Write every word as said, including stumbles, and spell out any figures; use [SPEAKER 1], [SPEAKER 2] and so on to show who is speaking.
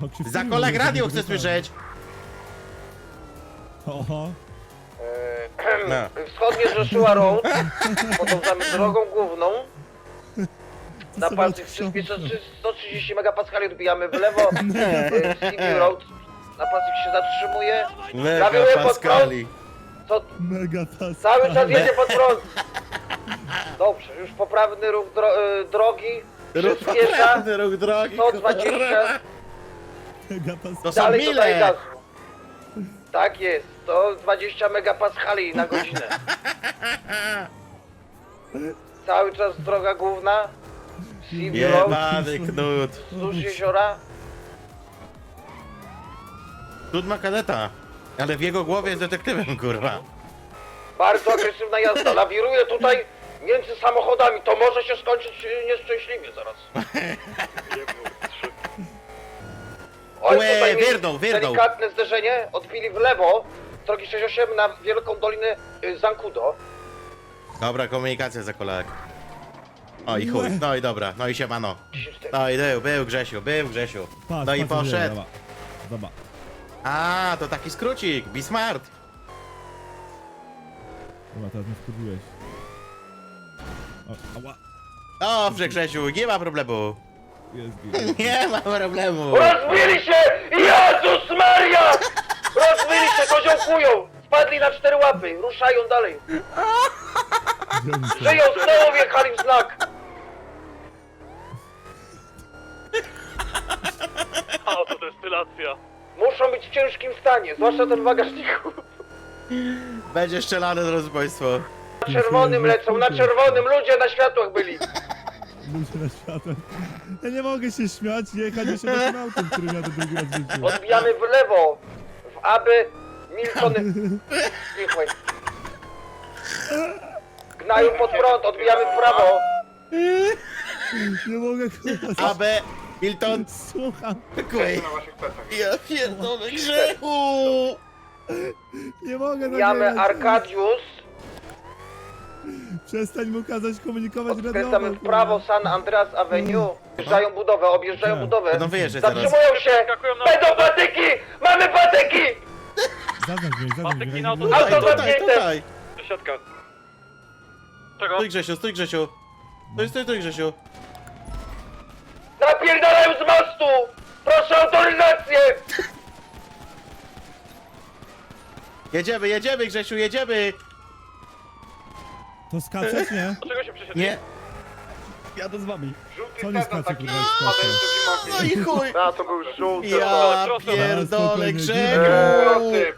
[SPEAKER 1] Za kolak radio chcę słyszeć!
[SPEAKER 2] Oho.
[SPEAKER 1] No.
[SPEAKER 3] Wschodnie Joshua Road, potem za drogą główną. Na palcach przyspiesza sto trzydzieści megapaskali, odbijamy w lewo. C B Road. Na pasek się zatrzymuje.
[SPEAKER 1] Mega
[SPEAKER 3] Zawieruję pod
[SPEAKER 1] Pascali.
[SPEAKER 3] Co?
[SPEAKER 2] Mega pas.
[SPEAKER 3] Cały czas jedzie pod prąd. Dobrze, już poprawny ruch dro y, drogi. Przyspiesza.
[SPEAKER 1] Poprawny ruch drogi.
[SPEAKER 3] sto dwadzieścia.
[SPEAKER 2] Mega pas.
[SPEAKER 1] To są
[SPEAKER 3] Dalej dodaje
[SPEAKER 1] mile!
[SPEAKER 3] gazu. Tak jest, sto dwadzieścia megapaskali na godzinę. Cały czas droga główna. C B Road.
[SPEAKER 1] Jebany knut.
[SPEAKER 3] Wzdłuż jeziora.
[SPEAKER 1] Knut ma kadeta. Ale w jego głowie jest detektywem, kurwa.
[SPEAKER 3] Bardzo agresywna jazda. Lawiruje tutaj między samochodami. To może się skończyć y, nieszczęśliwie zaraz. Oj,
[SPEAKER 1] Łe,
[SPEAKER 3] tutaj mieli
[SPEAKER 1] wierdą, wierdą.
[SPEAKER 3] delikatne zderzenie. Odbili w lewo. Z drogi sześćdziesiąt osiem na wielką dolinę y, Zancudo.
[SPEAKER 1] Dobra, komunikacja za kolak. O i chuj, no i dobra, no i siemano. No i był, był Grzesiu, był Grzesiu.
[SPEAKER 2] Patrz,
[SPEAKER 1] No i
[SPEAKER 2] patrz,
[SPEAKER 1] poszedł.
[SPEAKER 2] Zobacz. Zobacz.
[SPEAKER 1] A, to taki skrócik, be smart.
[SPEAKER 2] Dobra, teraz mnie wkurwiłeś. O, ała.
[SPEAKER 1] Dobrze Grzesiu, nie ma problemu.
[SPEAKER 2] Jest, jest.
[SPEAKER 1] Nie ma problemu.
[SPEAKER 3] Rozbili się! Jezus Maria! Rozbili się, koziołkują! Spadli na cztery łapy, ruszają dalej.
[SPEAKER 2] Gdzie oni są?
[SPEAKER 3] Żyją, znowu wjechali w znak.
[SPEAKER 4] Autodestylacja.
[SPEAKER 3] Muszą być w ciężkim stanie, zwłaszcza ten w bagażniku.
[SPEAKER 1] Będzie strzelane, drodzy państwo.
[SPEAKER 3] Na czerwonym lecą, na czerwonym, ludzie na światłach byli.
[SPEAKER 2] Ludzie na światłem. Ja nie mogę się śmiać, jechać jeszcze takim autem, który miał to drugi raz w życiu.
[SPEAKER 3] Odbijamy w lewo, w aby Milton... Cichoj. Gnają pod prąd, odbijamy w prawo.
[SPEAKER 2] Nie mogę, kurwa.
[SPEAKER 1] A B, Milton,
[SPEAKER 2] Słucham.
[SPEAKER 1] Quay. Ja pierdolę Grzechu.
[SPEAKER 2] Nie mogę
[SPEAKER 3] Odbijamy
[SPEAKER 2] nagrać.
[SPEAKER 3] Arkadius.
[SPEAKER 2] Przestań mu kazać komunikować
[SPEAKER 3] Odkręcamy
[SPEAKER 2] radiowo,
[SPEAKER 3] w prawo San Andreas Avenue. Objeżdżają budowę, objeżdżają
[SPEAKER 2] Tak.
[SPEAKER 3] budowę.
[SPEAKER 1] Będą wyjeżdżać zaraz.
[SPEAKER 3] Zatrzymują się! Będą patyki! Mamy patyki!
[SPEAKER 2] Zaznacz mnie, zaznacz
[SPEAKER 4] Patyki
[SPEAKER 2] mnie.
[SPEAKER 4] na
[SPEAKER 2] jak nie
[SPEAKER 4] auto-
[SPEAKER 2] było-
[SPEAKER 1] Tutaj,
[SPEAKER 3] Auto
[SPEAKER 1] tutaj,
[SPEAKER 3] zamknięte.
[SPEAKER 1] tutaj.
[SPEAKER 4] Siatka. Czego?
[SPEAKER 1] Stój Grzesiu, stój Grzesiu. Stój, stój, stój Grzesiu.
[SPEAKER 3] Napierdalają z mostu! Proszę o autoryzację!
[SPEAKER 1] Jedziemy, jedziemy Grzesiu, jedziemy.
[SPEAKER 2] To skaczesz, nie?
[SPEAKER 4] Dlaczego się przesiedli?
[SPEAKER 1] Nie.
[SPEAKER 2] Jadę z wami. Co nie skacze, kurwa, jak skacze?
[SPEAKER 1] No i chuj.
[SPEAKER 3] A, to był żółty.
[SPEAKER 1] Ja
[SPEAKER 4] proszę.
[SPEAKER 1] pierdolę
[SPEAKER 2] Spokojnie,
[SPEAKER 1] Grzechu.